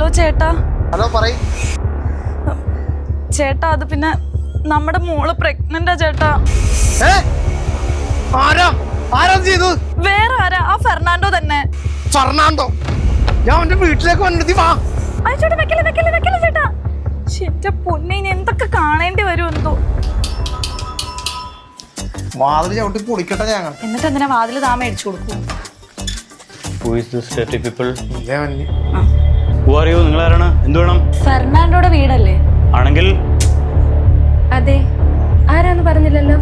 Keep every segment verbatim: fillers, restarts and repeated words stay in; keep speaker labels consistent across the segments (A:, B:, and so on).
A: ചേട്ടാ.
B: ഹലോ പറയ്.
A: ചേട്ടാ അത് പിന്നെ നമ്മുടെ മോള് പ്രഗ്നന്റാ ചേട്ടാ.
B: ആരാ ആരാ ചെയ്തു?
A: വേറെ ആരാ? ആ ഫെർണാണ്ടോ തന്നെ.
B: ഫെർണാണ്ടോ? ഞാൻ അവന്റെ വീട്ടിലേക്ക് വന്നിട്ട് വാ.
A: ചേട്ടാ വെക്കല വെക്കല വെക്കല ചേട്ടാ. എന്റെ പൊന്നെ എന്തൊക്കെ കാണേണ്ടി വരും എന്തോ.
B: വാതിൽ ചവിട്ടി പൊളിക്കട്ടെ ഞങ്ങൾ.
A: എന്നിട്ട് എന്തിനാ വാതിൽ താ മേടിച്ചു കൊടുക്കൂ?
C: നിങ്ങൾ ആരാണ്? എന്ത് വേണം?
A: ഫെർണാണ്ടോയുടെ വീടല്ലേ?
C: ആണെങ്കിൽ
D: അതെ. ആരാന്ന് പറഞ്ഞില്ലല്ലോ.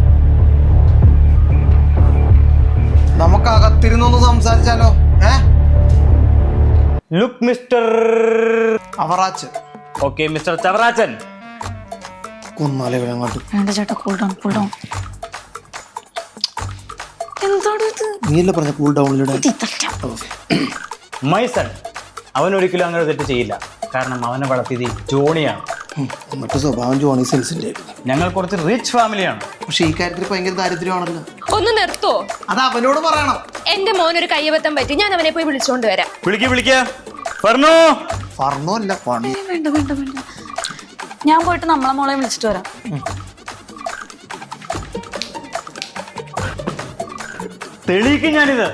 B: നമുക്ക് അകത്തിരുന്നൊന്ന് സംസാരിച്ചാലോ? ഏ
C: look mister
B: Avarachan.
C: Okay mister Chavarachan.
B: കൊന്നാലേ അങ്ങോട്ട്.
A: വേണ്ട ചേട്ടാ, കൂൾ ഡൗൺ കൂൾ ഡൗൺ. എന്താണ് ഇത്?
B: നീയല്ലേ പറഞ്ഞ കൂൾ ഡൗണിലൂടെ.
C: മൈ സൺ, അവൻ ഒരിക്കലും അങ്ങനെ തെറ്റ് ചെയ്യില്ല. കാരണം അവനെ വളർത്തിയത് ജോണിയാണ്.
B: മറ്റു സ്വഭാവം ജോണി സെൽസിന്റെ.
C: ഞങ്ങൾ കുറച്ച് റിച്ച് ഫാമിലിയാണ്.
B: പക്ഷെ ഈ കാര്യത്തിൽ ഭയങ്കര ദാരിദ്ര്യമാണല്ലോ.
D: ഒന്ന് നിർത്തോ?
B: അത് അവനോട് പറയണം.
D: എന്റെ മോനൊരു കയ്യബദ്ധം പറ്റി, ഞാൻ അവനെ പോയി വിളിച്ചോണ്ട് വരാം.
C: വിളിക്ക വിളിക്ക ഫർണോ.
B: ഫർണോ അല്ല പണി.
A: വേണ്ട വേണ്ട വേണ്ട, ഞാൻ പോയിട്ട് നമ്മളെ മോളെ വിളിച്ചിട്ട് വരാം.
C: തെളിയിക്കും ഞാനിത്.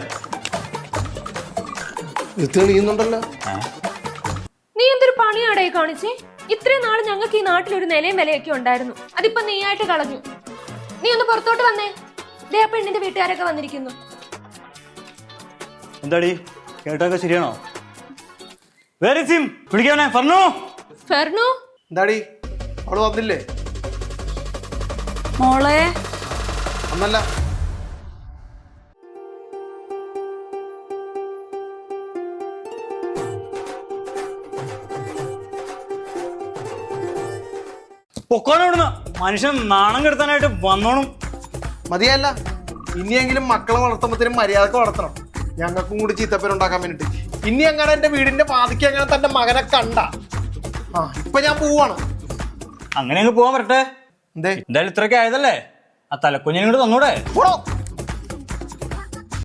B: ഇത് തെളിയുന്നുണ്ടല്ലോ.
D: നീ എന്തൊരു പണിയാടേ കാണിച്ചേ? ഇത്രയും നാള് ഞങ്ങൾക്ക് ഈ നാട്ടിൽ ഒരു നിലയും വിലയൊക്കെ ഉണ്ടായിരുന്നു. അതിപ്പോ നീ ആയിട്ട് കളഞ്ഞു. നീ ഒന്ന് പുറത്തോട്ട് വന്നേ. ദേ ആ പെണ്ണിന്റെ വീട്ടുകാരൊക്കെ വന്നിരിക്കുന്നു.
C: എന്താടി കേട്ടൊക്കെ ശരിയാണോ? വേറെ സിം വിളിക്കാനേ ഫർണോ.
D: ഫെർണു
B: എന്താടി അവള് വന്നില്ലേ?
A: മോളെ
B: ഒന്നല്ല.
C: പൊക്കോണവിടുന്ന്. മനുഷ്യൻ നാണം കെടുത്താനായിട്ട് വന്നോണം.
B: മതിയല്ല, ഇനിയെങ്കിലും മക്കളെ വളർത്തുമ്പത്തിനും മര്യാദക്ക് വളർത്തണം. ഞങ്ങൾക്കും കൂടി ചീത്തപ്പേരുണ്ടാക്കാൻ വേണ്ടിട്ട്. ഇനി അങ്ങനെ എന്റെ വീടിന്റെ പാതിക്ക് അങ്ങനെ തന്റെ മകനെ കണ്ട ആ ഇപ്പൊ ഞാൻ പോവാണ്.
C: അങ്ങനെ അങ്ങ് പോവാൻ പറ്റട്ടെ.
B: എന്തേ
C: എന്തായാലും ഇത്രയൊക്കെ ആയതല്ലേ, ആ തലക്കുഞ്ഞിനോട് തന്നൂടെ?
B: പോടോ.